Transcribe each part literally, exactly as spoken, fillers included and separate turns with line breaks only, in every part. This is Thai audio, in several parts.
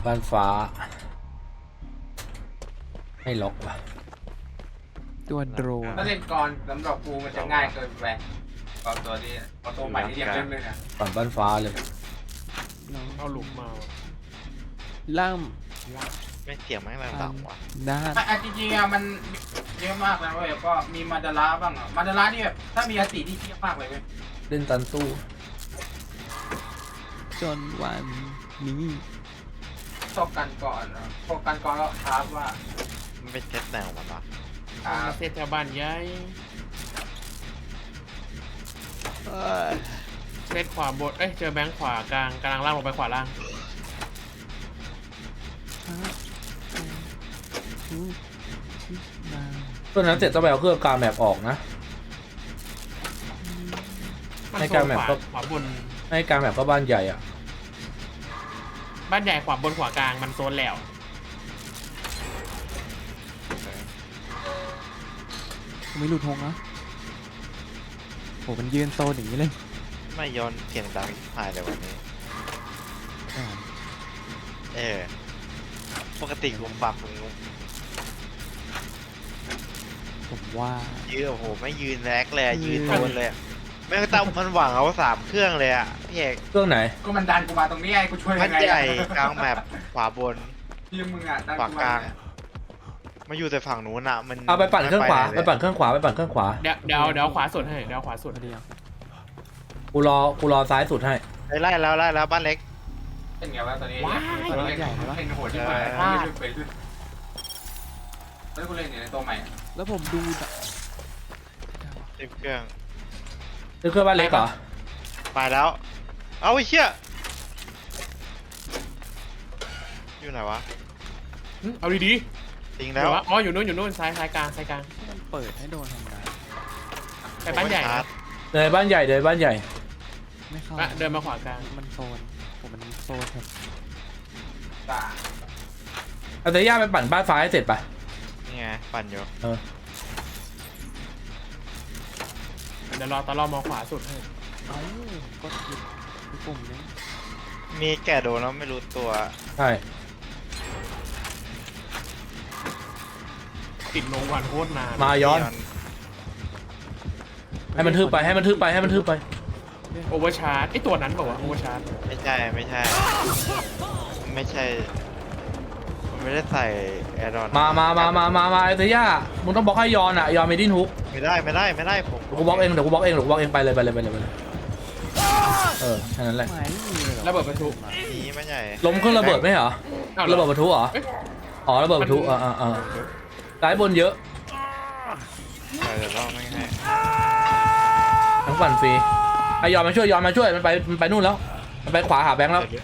บ้านฟ้าไม่ล็อกว่ะ
ตัวโดรน
ถ้าเล่นกรสำหรับกูมันจะง่ายเกินไปกรตัวนี้กรตัวใหม่ที่เรียกเล่นเลยนะ
ก่อนบ้านฟ้าเลย
เอาหลุมมาว่ะ
ล่าม
ไม่เสียงไม่แรงต่ำว่ะ
ด้าน
อ่ะจริงๆอ่ะมันเยอะมากนะเว้ยก็มีมาดาราบ้างอ่ะมาดารานี่แบบถ้ามีอติที่เทียบมากเลยเว้ย
เล่นตันสู้
จนวันนี้
ชอบกันก่อนอ่ะพวกกันก่อนก็ท้าว่า
มันเป็นเซตแนวมันวะ
อ่า
มาเซตแถวบ้านย้าย
เอ้ย
เซตขวาบนเอ้ยเจอแบงค์ขวากลางกลางล่างลงไปขวาล่าง
ตอนนั้นเสร็จต้องไปเอาเครื่องกลางแมปออกนะ
มัน
ใน
โซ
กลาง
น
แมป
ขวา
ก็
ขวาบน
ให้กลางแมปก็บ้านใหญ่อ่ะ
บ้านใหญ่ขวาบนขวากลางมันโซนแล้ว
ไม่หลุดทงนะโหมันยืนโซนอย่างนี้เลย
ไม่ย้อนเสียงดังหายเลยวันนี้
อ่า
เออ ปกติกูฟังมึง
ผมว่า
ยืนโอ้โหไม่ยืนแรกเลยอะยืนโดนเลยอะแม่งตั้งมันหวังเอาสามเครื่องเลยอ่ะพี่เอก
เครื่องไหน
ก็มันดันกูมาตรงนี้ไอ้กูช่วย
มั
ยั
น
งไง
ใหญ่กลางแมปขวาบน
ทีมมึงอ่ะดัน
ขวา
กู
ก
มา
ลางมาอยู่แต่ฝั่งนู้นอ่ะมัน
เอาไปปั่นเครื่องขวา
ม่
ไปปั่นเครื่องขวาไปปั่นเครื่องขวา
เดี๋ยวเดี๋ยวเดี๋ยวขวาสุดให้เดี๋ยวขวาสุด
พอดีอ่ะ
กูรอกูรอซ้ายสุดให้
ไปไล่แล้วไล่แล้วบ้านเล็ก
เป็นไงวะตอนนี้
ว้าย
ตอนนี้เป็นโหดที่ผ่านไม่ช่วยไปด้วยแล้วกูเล่นอยู่ในตัวใหม่
แล้วผมดูแบบ
เต็มเครื่อง
ซื้อเครื่องบ้านเล็กเหรอ
ไปแล้ว เอาไอ้เชี่ยอยู่ไหนวะ
หึเอาดี
ทิ้ง
ๆ
แล้
เดี๋
ว
ยววะอ๋ออยู่นู้นอยู่นู้นซ้ายซ้ายกลางซ้ายกลาง
มันเปิดให้โดนทำงาน
ไปบ้านใหญ่
โอ้ยชา
นะ
ร์จ
เดินบ้านใหญ่เดินบ้านใหญ่
ไม่เข้า
อ่ะเดินมาขวากลาง
มันโซนผมมันโซนครับ
ตา
เอาแต่ย่าไปปั่นบ้านฟ้าให้เสร็จปะ
นี่ไงปั่นอยู่
เออ
เดี๋ยวรอตอนรอมาขวาสุดให้
เอ้าก็ผิดที่ปุ่มนี้
มีแก่โดนแล้วไม่รู้ตัว
ใช่
ติดลงวันโคตรนาน
มาย้อน ให้มันทึบไปให้มันทึบไปให้มันทึบไป
โอเวอร์ชาร์จไอตัวนั้นบอกว่าวะโอเวอร์ชาร์จ
ไม่ใช่ไม่ใช่ ไม่ใช่มันไม่ได้ใส่แอร์ดอน
มามามามามามาไอ้เตย่ามึงต้องบล็อกให้ยอนอ่ะยอนมีดิ้นฮุก
ไม่ได้ไม่ได้ไม่ได้ผม
เดี๋ยวกูบล็อกเองเดี๋ยวกูบล็อกเองเดี๋ยวกูบล็อกเองไปเลยไปเลยไปเลยไปเลยเออแค่นั้นแหละ
ไม่มีเลยเหรอ
ระเบิดประทุ
นี้ไม่ใช่
ล้มเครื่องระเบิดไหมเหรอ
อ้าว
ระเบิดประทุเหรอ
เอ้ย
อ๋อระเบิดประทุอ่าอ่าอ่าซ้ายบนเยอะ
ใช่เดี๋ยวรอไม่ให้
ทั้งปั่นฟรีไอยอนมาช่วยยอนมาช่วยมันไปมันไปนู่นแล้วมันไปขวาหาแบงค์แล้ว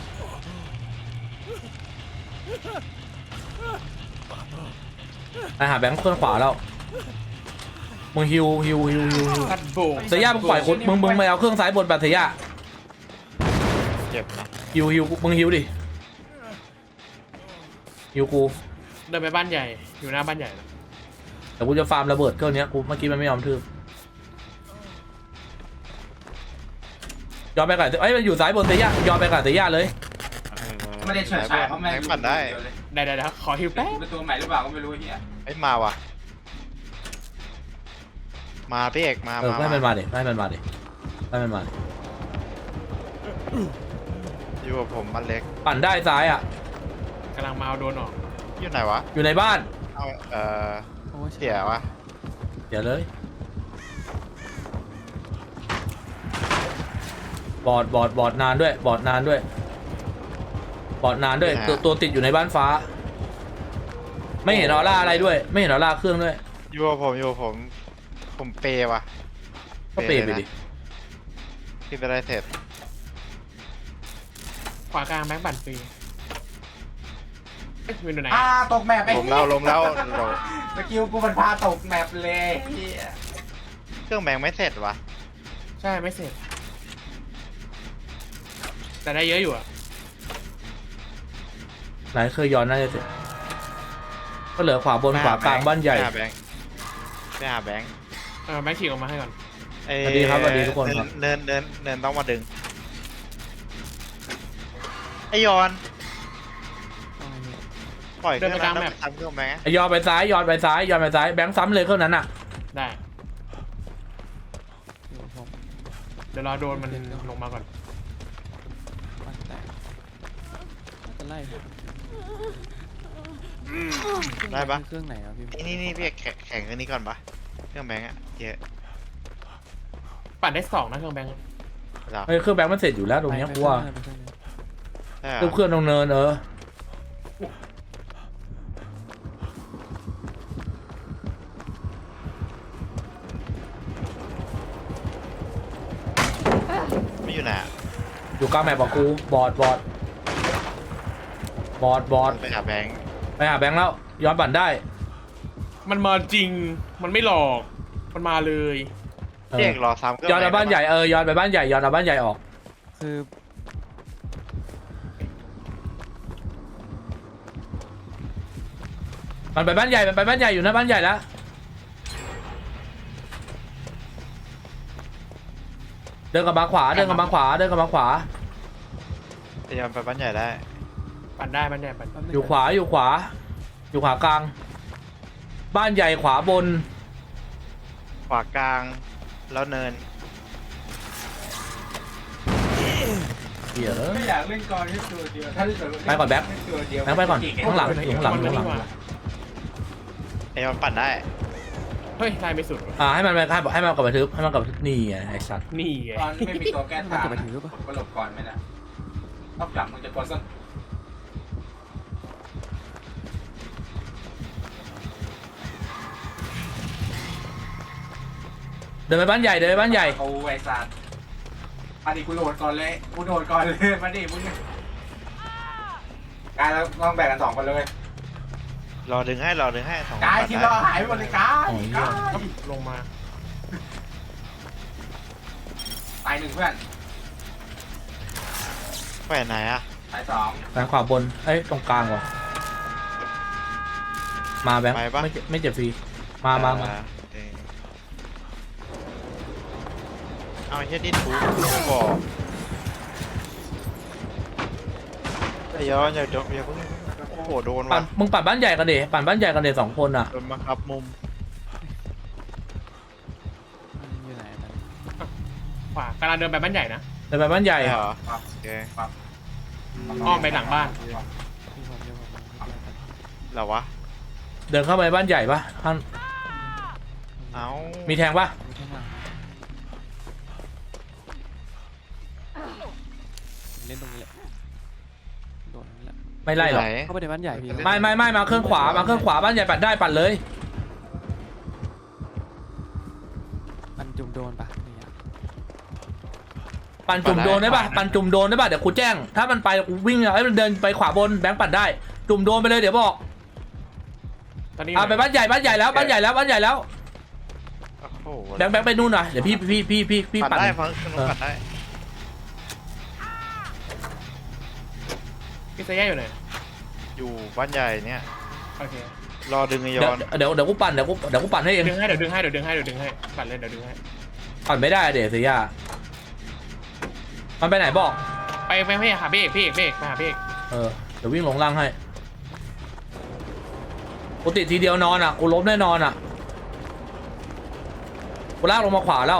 ไปหาแบงค์เครื่องขวาแล้วมึงฮิวฮิวฮิวฮิวฮิว
ตัดโบก
เตย่ามึงปล่อยคนมึงมึงไม่เอาเครื่องซ้ายบนแบบเตย่า
เจ็บนะ
ฮิวฮิวมึงฮิวดิฮิวกู
เดินไปบ้านใหญ่อยู่หน้าบ้านใหญ่นะ
แต่กูจะฟาร์มระเบิดเครื่องนี้กูเมื่อกี้มันไม่ยอมทืบยอมไปกับเอ้ยมันอยู่ซ้ายบนเตย่ายอมไปกับเตย่าเลย
ไม่ได้เฉิดฉายเพราะแม่ง
ปั่นได้
ได้ได้ได้ขอฮิวแป๊บ
เป็นตัวใหม่หรือเปล่าก็ไม่รู้เฮีย
ไอ้ยมาว่ะ มาพี่เอกมา
เออ
มา
ให้มันมาดิให้มันมาดิให้มันมาดิ
อยู่กับผมบ้านเล็ก
ปั่นได้ซ้ายอ่ะ
กำลังมาเอาโดนออก
อยู่ไหนวะ
อยู่ในบ้าน
เอาเอ่อ
โอ้ย
เสียวะ
เดี๋ยวเลยบอดบอดบอดนานด้วยบอดนานด้วยบอดนานด้วยตัวตัวติดอยู่ในบ้านฟ้า ไม่เห็นออร่าอะไรด้วย ไม่เห็นออร่าเครื่องด้วย
อยู่กับผมอยู่กับผมผมเปย์ว่ะ
ก็เปลี่ยนไปดิ
ที่ไปได้เสร็จ
ขวากลางแบงค์ปั่นฟรีเอ๊ะวินอยู่ไหน
อ่าตกแมปไป
ลมแล้วลมแล้วลม
สกิลกูมันพาตกแมปเลยเฮีย
เครื่องแบงค์ไม่เสร็จวะ
ใช่ไม่เสร็จ แต่ได้เยอะอยู่อะ
ไหนเคยย้อนน่าจะเสร็จก็เหลือขวาบนขวากลางบ้านใหญ่
ไปหาแบงค์ไปหาแบงค์
เออแบงค์ขี่ออกมาให้ก่อน
เอ้ย
สวัสดีครับสวัสดีทุกคนครับ
เนินเนินเนินเนินต้องมาดึงไอยอนปล่อยเค
เดิ
รื่อน ง
ไปก
นั้
ลาง
น
แม
แล้ว
ป
ทำเครื่องแบงค์
ไอ้ยอดไปซ้ายยอดไปซ้ายยอดไปซ้ายแบงค์ซ้ำเลยเครื่องนั้นอ่ะ
ได้
อยู่กับผม
เดี๋ยวรอโดนมันลงมาก่อน
บ้านแตกน่าจะไล่ผม
ได้ปะ
เครื่องไหนอ่ะพี่
นี่นี่นี่พี่แข่งแข่งเครื่องนี้ก่อนปะเครื่องแบงค์อะเยอะ
ปั่นได้สองนะเครื่องแบงค์
เหรอ
เฮ้ยเครื่องแบงค์มันเสร็จอยู่แล้วตรงเนี้ยกูว่า
ไปเครื่องนั้น
ใช่เหร
เครื่อง
อ
เครื่องตรงเนินเออ
ไม่อยู่ไหนอะ
อยู่กลางแมปบอกกูบอดบอดบอดบอด
ไปหาแบงค์
ไปหาแบงค์แล้วย้อนปั่นได้
มันมาจริงมันไม่หลอกมันมาเลย
เอ
พี่
อ
เอกรอซ้ำเครื่อง
ย้อนเอาบ้านใหญ่เออย้อนไปบ้านใหญ่ย้อนเอาบ้านใหญ่ออก
คือ
มันไปบ้านใหญ่มันไปบ้านใหญ่อยู่นะบ้านใหญ่แล้วเดินกลับมาขวาเดินกลับมาขวาเดินกลับมาขวา
พยายามไปบ้านใหญ่ได้
ปั่นได้ปั่นได้ปั่น
แป๊บนึง
อยู่ขวาอยู่ขวา อยู่ขวากลาง บ้านใหญ่ขวาบน
ขวากลางแล้วเนิน
เดี๋ยว
ไม่อยากเล่นกรแค่ตัวเดียวถ้าเล่นตัว
ไปก่อนแบ็ค
เล่นตัวเดียว
แบงค์ไปก่อนข้างหลังอยู่ข้างหลังอยู่
มัน
ข้างหลัง
นี่ว่า
ไอ้มันปั่นได้
เฮ้ยได้ไม่สุดว่ะ
อ่าให้มันไปให้ให้มันกลับมาทึบให้มันกลับมาทึบนี่ไงไอ้สัตว์
นี่ไง
ตอนไม่มีตัวแก้
มัน
ทาง
เก็บไปถือหรือเปล่า
ก็หลบก่อนไม่ได้ต้องจับมึงจะกดสัก
เดินไปบ้านใหญ่เดินไปบ้านใหญ่
เอาไอ้สัตว์มาดิกูโดดก่อนเลยกูโดดก่อนเลยมาดิมึงกายเราต้องแบ่งกันสองคนเลย
รอดึงให้รอดึงให้สองคน
กาย
ปั่น
ทีม
ได้
เราหายไปหมดเลยกาย
โอ้ย
กาย
ลงมา
ตายหนึ่งเพื่อน
ไปไหนอะ
ตายสอง
แบงค์ขวาบนเอ้ยตรงกลางว่ะมาแบงค์
ไปปะ
ไม่เจ็บไม่เจ็บฟรีมามามา
เออเอาไอ้เหี้ยดิ้นถูกบอกไอ้ย้อนอย่าจบอย่าเพิ่งโอ้โหโดน
ปั่
ว่ะ
นมึงปั่นบ้านใหญ่กันเดปั่นบ้านใหญ่กันเดสองคนอ่ะ
โดนบังคับมุม
มันอยู่ไหนตอนนี้
ขวากำลังเดินไปบ้านใหญ่นะ
เดินไปบ้านใหญ่
ใช่เหรอ
ครับ
โอเค
อ้อมไปหลังบ้าน
ที่ผมที่ผมที่ผม
เหรอวะ
เดินเข้าไปบ้านใหญ่ปะข้าง
เอ้า
มีแทงปะ
มีข้างหลังผมเล่นตรงนี้แหละโดนนี่แหละ
ไม่ไล่หรอก
ไหน
เข้าไปในบ้านใหญ่พี่
ไม่ไม่ไม่มาเครื่องขวามาเครื่องขวาบ้านใหญ่ปั่นได้ปั่นเลย
มันจุ่มโดนปะนี่อะ
ปั่นจุ่มโดนได้ปะปั่นจุ่มโดนได้ปะเดี๋ยวกูแจ้ง ถ้ามันไปกูวิ่งเอาให้มันเดินไปขวาบนแบงค์ปั่นได้ จุ่มโดนไปเลยเดี๋ยวบอก
ตอนนี้
อ่าไปบ้านใหญ่บ้านใหญ่แล้วบ้านใหญ่แล้วบ้านใหญ่แล้ว
โอ้โห
แบงค์แบงค์ไปนู่นหน่อยเดี๋ยวพี่พี่พี่พี่พี่
ปั่น
ปั่น
ได้ฟังคุณปั่นได้
พี่เซย่าอยู่ไหน
อยู่บ้านใหญ่เนี่ย
โอเค
รอดึงไอ้
เดี๋
ย้
ยว
อน
เดี๋ยวเดี๋ยวกูปั่นเดี๋ยวกูเดี๋ยวกูปั่นให้เอง
ดึงให้เดี๋ยวดึงให้เดี๋ยวดึงให้เดี๋ยวดึงให้ปั่นเลยเดี๋ยวดึงให้
ปั่นไม่ได้เดี๋ยวเสียมันไปไหนบอก
ไปไปพี่หาพี่เอกพี่เอกพี่เอกไปหาพี่เอก
เออเดี๋ยววิ่งลงล่างให้กูติดทีเดียวนอนอ่ะกูล้มแน่นอนอ่ะกูลากลงมาขวาแล้ว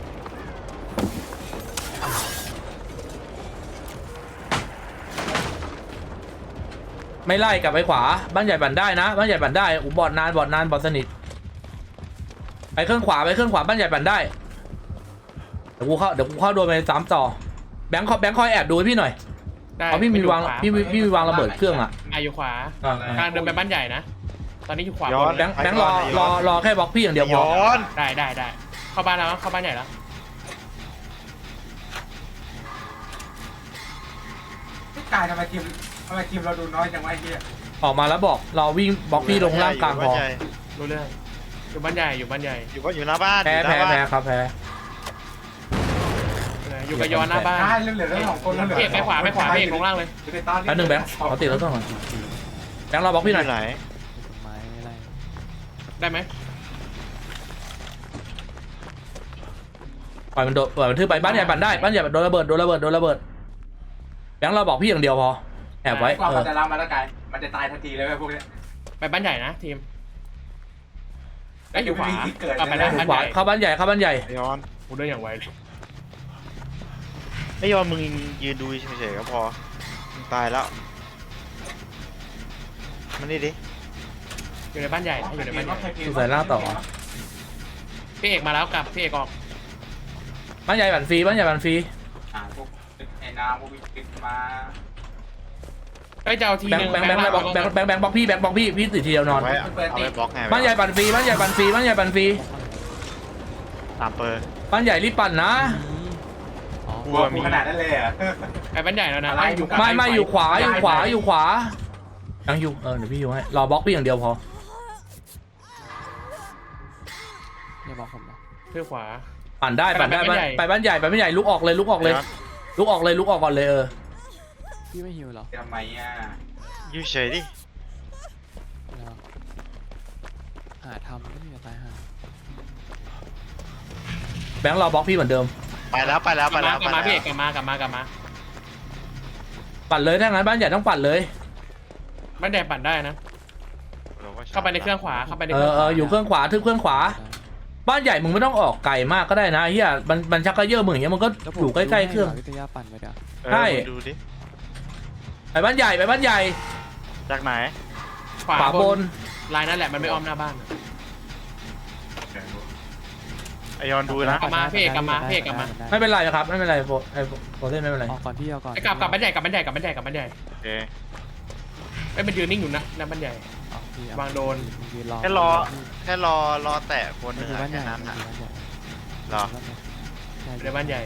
ไม่ไล่กลับไปขวาบ้านใหญ่ปั่นได้นะบ้านใหญ่ปั่นได้อูบอดนานบอดนานบอดสนิทไปเครื่องขวาไปเครื่องขวาบ้านใหญ่ปั่นได้เดี๋ยวกูเข้าเดี๋ยวกูเข้าโดนไปสามต่อแบงค์คอยแบงค์คอยแอบดูให้พี่หน่อย
ได้
เพราะพี่มีวาง
ไป
พี่
อยู่ข
มีพี่มีวางระเบิดเครื่องอ่ะ
อ่ะอยู่ขวา
อ่ะ
กำลังเดินไปบ้านใหญ่นะ ตอนนี้อยู่ขวา
ย้อบ น
น
แบงค์แบงค์รอรอรอแค่บล็อกพี่อย่างเดียวพอ
ย้อน
ได้ได้ได้เข้าบ้านแล้วเข้าบ้านใหญ่แล้ว
พี่กายทำไมทีมทำไมทีมเราดูน้อยจังวะไอ้เหี้ย
ออกมาแล้วบอกรอวิ่งบล็อกพี่ลงล่างกลางพอ
อยู่บ้นใหญ่
รู้เรื่องอยู่บ้านใหญ่อยู่บ้านใหญ่
อยู่บ้านอยู่หน้าบ้าน
แพ้
อยู่ห
แพ้
น้าบ้าน
แพ้ครับแพ้
อยู่กับยอนหน้าบ้าน
กายเหลือๆแล้วสองคนแล้วเหลือ
พี่เอกไปขวาไปขวาพี่เอกลงล่างเลย
อยู่ในตอนนี้
แป๊บนึงแบงค์ขอติดแล้วต้องหน่อยแบงค์รอบล็อกพี่หน่อย
อยู่ไหน
ต้นไม้ไม่ไล่
ได้ไหม
ปล่อยมันโดดปล่อยมันทื่อไปบ้านใหญ่ปั่นได้บ้านใหญ่โดนระเบิดโดนระเบิดโดนระเบิดแบงค์เราบอกพี่อย่างเดียวพอแอบไว้
กว่า
เอ
มั
อน
จะรับมาแล้วกายมันจะตายทันทีเลยเว้ยพวกเนี้ย
ไปบ้านใหญ่นะทีมไอ้ยอยู่ขวา
ไม่มีที่เกิด
กลับไปได้
เลยนะ
บ้าน
ขวา
ใหญ่
เข้าบ้านใหญ่เข้าบ้านใหญ่
ไอ้ยอน
กูเดินอย่างไวเลย
ไอ้ยอนมึงยืนดูเฉยๆก็พอมึงตายแล้วมันนี่ดิ
อยู่ในบ้านใหญ่นะอยู่ในบ้านใหญ่
สุดสายล่างต่อ
พี่เอกมาแล้วกลับพี่เอกออก
บ้านใหญ่บันฟรีบ้านใหญ่บันฟรี
อ่าพวกไอ้น้ำพวกวิกฤตมา
เอ้ยจะเอาที
แบง
นึ
ค์
ง
แบงค์แบงค์บล็อกแบงค์แบงค์แบงค์บล็อกพี่แบงค์บล็อกพี่พี่ติดทีเดียวนอน
ไว้เอาไว้บล็อกไง
บ้านใหญ่บันฟรีบ้านใหญ่บันฟรีบ้านใหญ่บันฟรี
ตามเปอร์
บ้านใหญ่รีบปั่นนะ
อ๋อ
กลัวกูขนาดนั้นเลยเหรอ่ะ
ไปบ้านใหญ่แล้วนะ
อะไร
อ้อยู่
ไม่ไม่อยู่ขวาอยู่ขวา
ได้
อยู่ขวายังอยู่เออเดี๋ยวพี่อยู่ให้รอบล็อกพี่อย่างเดียวพอ
อย่าบอกผมนะ
เพื่อขวา
ปั่นได้ปั่นได้
ไปบ้านใหญ่
ไปบ้านใหญ่ไปบ้านใหญ่ลุกออกเลยลุกออกเลยลุกออกเลยลุกออกก่อนเลยเออ
พี่ไม่หิวเหรอ
ทำไมอ่ะ
อยู่เฉยดิ
แล้วหาทำไม่มีอะไรหา
แบงค์รอบล็อกพี่เหมือนเดิม
ไปแล้วไปแล้ว
ก
ไป
ลับ
แล้
มาว กลับมา
ไป
พี่
แล้
เอ
ว
กกลับมากลับมากลับมา
ปั่นเลยถ้างั้นบ้านใหญ่ต้องปั่นเลย
บ้านใหญ่ปั่นได้นะ เข้าไปในเครื่องขวาเข้าไปใน
เอ
เครื่
อ
อง
เอออยู่เครื่องขวาทึบเครื่องขวา บ้านใหญ่มึงไม่ต้องออกไกลมากก็ได้นะเฮียมันมันชักกระเยอะมึงอย่างเงี้ยมันก็
แล้วผม
อยู่ใกล้ๆเครื่อง
ดูให้วิทยาปั่นไปเดี๋ยว
เออ
ใช่
มึงดูดิ
ไปบ้านใหญ่ไปบ้านใหญ่
จากไหน
ขวา
ขวา
บบ น
น
ลายนั่นแหละมันไม่อ้อมหน้าบ้าน
ไอยอนดูนะ
กลับมาพี่เอกกลับมาพี่เอกกลับมา
ไม่เป็นไรครับไม่เป็นไรโฟไอโฟเล่นไม่เป็นไร
ออกก่อนพี่เอาก่อน
ไอ้กลับกลับบ้านใหญ่กลับบ้านใหญ่กลับบ้านใหญ่กลับบ้านใหญ่
โอเค
ไอ้ยมันยืนนิ่งอยู่นะหน้าบ้านใหญ่
เอาพี่เอ
วางโดน
ยืนรอ
แค่รอแค่รอรอแตะคนห
มัน
นึ่
อง ยู่
อะ
บ้านให
แค่
ญ่
นั้น
มัน
อ่ะ
อยู่บ้านใหญ่
เหรอ
ใช่
อยู่ในบ้านใหญ่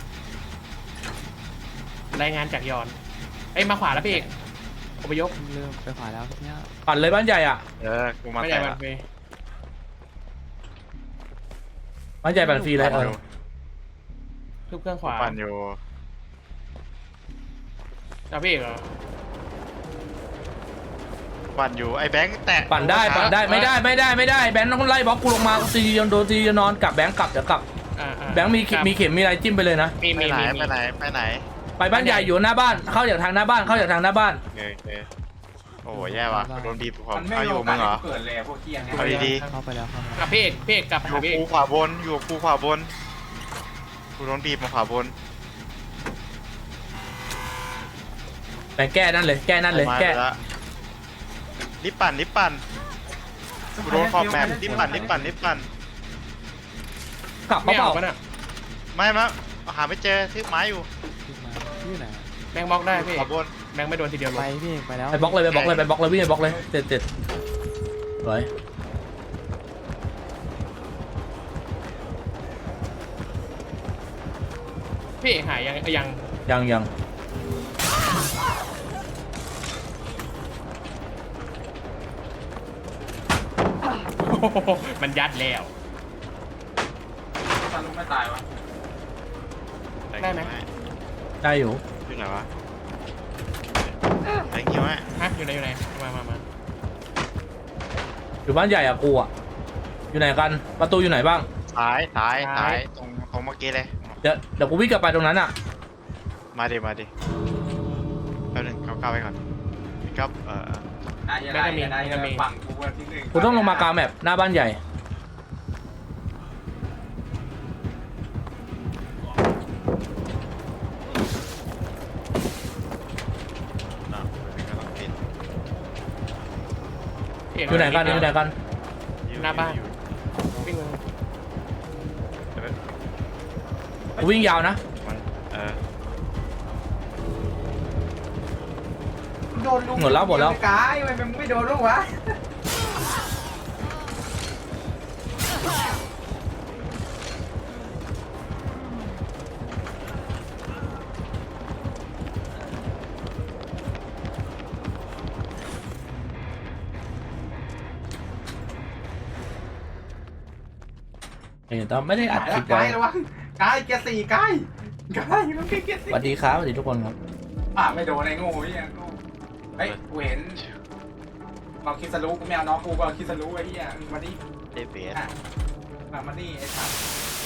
รายงานจากยอนไอ้ยมาขวาแล้วพี่เอกอพยพ
เริ่มไปขวาแล้วพี่เนี่ย
ปั่นเลยบ้านใหญ่อ่ะ
เออกูมา
บ้านใหญ่
แตะ
บั
ละ
นเฟย์
บ้านใหญ่ปั่นฟรีเลยเออ
ทุบเครื่องขวา
ปั่นอยู่
เอาพี่เอกเหรอ
ปั่นอยู่ไอ้แบงค์แตะ
ปั่นได้ปั่นได้ไม่ได้ไม่ได้ไม่ได้แบงค์ต้องไล่บล็อกกูลงมาตีโดนโดนตีนอนกลับแบงค์กลับเดี๋ยวกลับ
อ่าอ่า
แบงค์มีเข็มมีเข็มมีอะไรจิ้มไปเลยนะ
มี
ไป
มี
ไหน
มี
ไปไหนไปไหน
ไปบ้านใหญ่อยู่หน้าบ้านเข้าจากทางหน้าบ้านเข้าจากทางหน้าบ้าน
โอเคโอเคโอ้โหแย่ว่ะโดนบีบขอ
มันไม่
เอาอ
มี
ยู่
โอ
มึ
กาส
งเหรอ
ให้เกิดเลยอะพวกเที่ยงเนี่ย
เอาดี
เข้าไปแล้วเข้าไป
กลั
แล้
บ
ว
พี่เอกพี่เอกกลับ
อยู่
พี่เอก
กูขวาบนอยู่กูขวาบนกูโดนบีบมาขวาบน
ไปแก้นั่นเลยแก้นั่นเลย
มา
แก้
ไปละรีบปั่นรีบปั่นกูโดนขอบแมปรีบปั่นรีบปั่นรีบปั่น
กลับ
ไม่
เป
เอา
ล่า
ปะน่ะ
ไม่มะหาไม่เจอทึบไม้อยู่
ขึ้นมาพี่อยู่ไหน
แบงค์บล็อกได้พี่
ขวาบน
แบงค์ไม่โดนทีเดียวล
ไป
ง
พี่เอกไปแล้ว
ไปบล็อกเลยไปบล็อกเลยไปบล็อกเลยวิ่งไปบล็อกเลยเจ็ดเจ็ดสวย
พี่เอกหายยังยัง
ยังยัง
โอ้โหมันยัดแล้ว
ตอนลูกไม่ตายวะ
ได้ไหม
ได้อยู่
ที่ไหนวะแตงคิวไหม
ฮะอยู่ไหนอยู่ไหนมามามา
อยู่บ้านใหญ่อะกูอะอยู่ไหนกันประตูอยู่ไหนบ้าง
ซ้ายซ้ายซ้ายตรงตรงเมื่อกี้เลย
เดี๋ยวเดี๋ยวกูวิ่งกลับไปตรงนั้นอะ
มาดิมาดิแป๊บนึงเข้าเข้าไปก่อนพี่ครับเออ
นายอะไรนายจะฝั่งกูวันที่หนึ่ง
กูต้องลงมากลางแมปหน้าบ้านใหญ่
อ่ะก็ต้องปิด
พี่เอก
อยู่ไหนกันอยู่ไหนกัน
หน้าบ้านวิ่งเลย
กูวิ่งยาวนะ
เออ
โดนลูก
หมดแล้วหมดแล้ว
กายทำไมมึงไม่โดนลูกวะ
เห็นแต่ไม่ได้อัดคลิป
กา
ไว้
ยระวังกายเกียร์สี่กายกายมันเกียร์
ส
สี่
วัสดีครับสวัสดีทุกคนครับ
อ่ะไม่โดนไอ้โง่เหี้ยโง่เฮ้ยกูเห็นเราคิดสรู้กูไม่เอาน้องกูก็คิดสรู้ไอ้เหี้ยมาดิ
ได้เบส
อ่ะมามาดิไอ้สัตว์